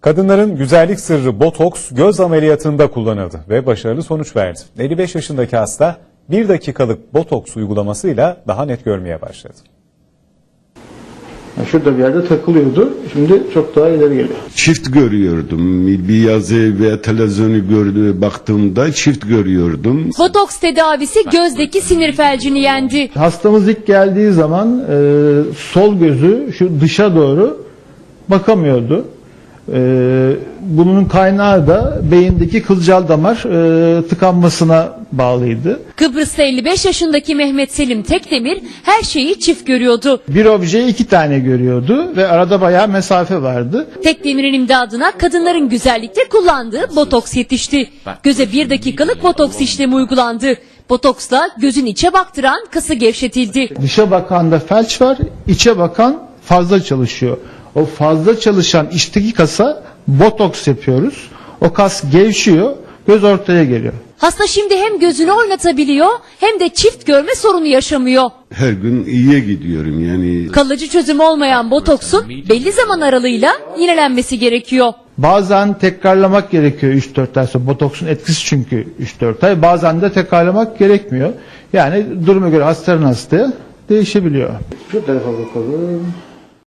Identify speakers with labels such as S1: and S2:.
S1: Kadınların güzellik sırrı botoks göz ameliyatında kullanıldı ve başarılı sonuç verdi. 55 yaşındaki hasta 1 dakikalık botoks uygulamasıyla daha net görmeye başladı.
S2: Şurada bir yerde takılıyordu. Şimdi çok daha ileri geliyor.
S3: Çift görüyordum. Bir yazı ve televizyonu baktığımda çift görüyordum.
S4: Botoks tedavisi gözdeki sinir felcini yendi.
S2: Hastamız ilk geldiği zaman sol gözü şu dışa doğru bakamıyordu. Bunun kaynağı da beyindeki kılcal damar tıkanmasına bağlıydı.
S4: Kıbrıs'ta 55 yaşındaki Mehmet Selim Tekdemir her şeyi çift görüyordu.
S2: Bir objeyi 2 tane görüyordu ve arada bayağı mesafe vardı.
S4: Tekdemir'in imdadına kadınların güzellikte kullandığı botoks yetişti. Göze 1 dakikalık botoks işlemi uygulandı. Botoksla gözün içe baktıran kası gevşetildi.
S2: Dışa bakanda felç var, içe bakan fazla çalışıyor. O fazla çalışan içteki kasa botoks yapıyoruz. O kas gevşiyor, göz ortaya geliyor.
S4: Hasta şimdi hem gözünü oynatabiliyor hem de çift görme sorunu yaşamıyor.
S3: Her gün iyiye gidiyorum yani.
S4: Kalıcı çözüm olmayan botoksun belli zaman aralığıyla yenilenmesi gerekiyor.
S2: Bazen tekrarlamak gerekiyor 3-4 ay sonra. Botoksun etkisi çünkü 3-4 ay. Bazen de tekrarlamak gerekmiyor. Yani duruma göre hastanın hastaya değişebiliyor. Şu tarafa bakalım.